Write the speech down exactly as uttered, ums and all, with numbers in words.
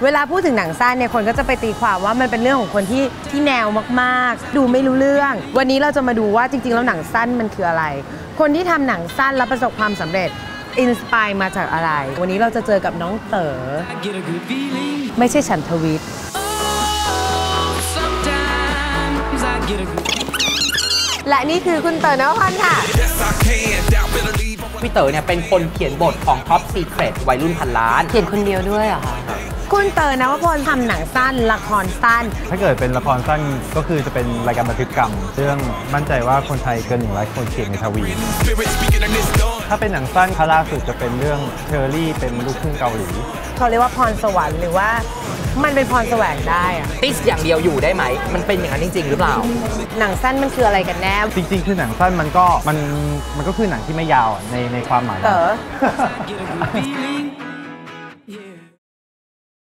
เวลาพูดถึงหนังสั้นเนี่ยคนก็จะไปตีความว่ามันเป็นเรื่องของคนที่ที่แนวมากๆดูไม่รู้เรื่องวันนี้เราจะมาดูว่าจริงๆแล้วหนังสั้นมันคืออะไรคนที่ทำหนังสั้นแล้วประสบความสำเร็จอินสปายมาจากอะไรวันนี้เราจะเจอกับน้องเต๋อไม่ใช่ฉันทวิทย์และนี่คือคุณเต๋อนวพรค่ะพี่เต๋อเนี่ยเป็นคนเขียนบทของ Top Secret วัยรุ่นพันล้านเขียนคนเดียวด้วยเหรอคะคุณเต๋อนวพรทำหนังสั้นละครสั้นถ้าเกิดเป็นละครสั้นก็คือจะเป็นรายการบันทึกกรรมซึ่งมั่นใจว่าคนไทยเกินหนึ่งร้อยคนเขียนในทวีถ้าเป็นหนังสั้นครั้งล่าสุดจะเป็นเรื่องเชอรี่เป็นลูกครึ่งเกาหลีเขาเรียกว่าพรสวรรค์หรือว่ามันเป็นพรแสวงได้อะติสอย่างเดียวอยู่ได้ไหมมันเป็นอย่างนั้นจริงๆหรือเปล่าหนังสั้นมันคืออะไรกันแน่จริงๆคือหนังสั้นมันก็มันมันก็คือหนังที่ไม่ยาวในในความหมายเต๋อ